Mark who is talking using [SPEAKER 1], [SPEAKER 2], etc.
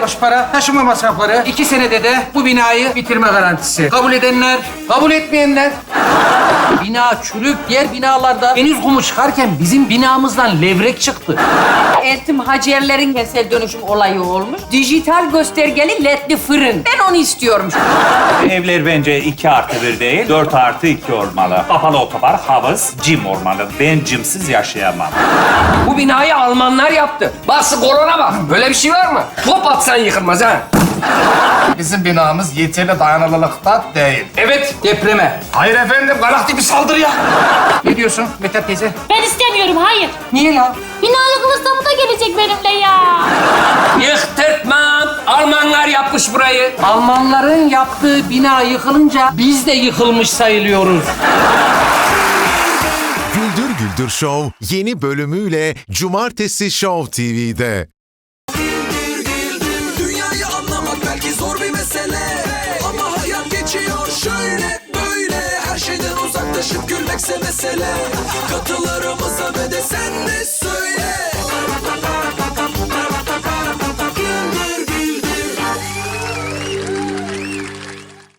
[SPEAKER 1] borç para, taşıma masrafları, 2 senede de bu binayı bitirme garantisi. Kabul edenler, kabul etmeyenler. Bina çürük, diğer binalarda deniz kumu çıkarken bizim binamızdan levrek çıktı.
[SPEAKER 2] Eltim Hacerlerin kentsel dönüşüm olayı olmuş. Dijital göstergeli ledli fırın. Ben onu istiyorum.
[SPEAKER 3] Evler bence 2+1 değil, 4+2 olmalı. Kapalı otobar, havuz, cim olmalı. Ben cimsiz yaşayamam.
[SPEAKER 4] Bu binayı Almanlar yaptı. Bası korona bak. Böyle bir şey var mı? Top atsan yıkılmaz ha.
[SPEAKER 5] Bizim binamız yeterli dayanıklılıkta değil.
[SPEAKER 4] Evet.
[SPEAKER 1] Depreme.
[SPEAKER 5] Hayır efendim, galaktik bir saldırı ya.
[SPEAKER 1] Ne diyorsun Mithat teyze?
[SPEAKER 6] Ben istemiyorum, hayır.
[SPEAKER 1] Niye la?
[SPEAKER 6] Binalı Kılıçdaroğlu da gelecek benimle ya.
[SPEAKER 4] Yıktırtmam. Almanlar yapmış burayı.
[SPEAKER 1] Almanların yaptığı bina yıkılınca biz de yıkılmış sayılıyoruz.
[SPEAKER 7] Güldür Güldür Show yeni bölümüyle Cumartesi Show TV'de.
[SPEAKER 8] Dünyayı anlamak belki zor bir mesele, ama hayat geçiyor şöyle böyle. Her şeyden uzaklaşıp gülmekse mesele. Katılarımıza ve de sen de söyle.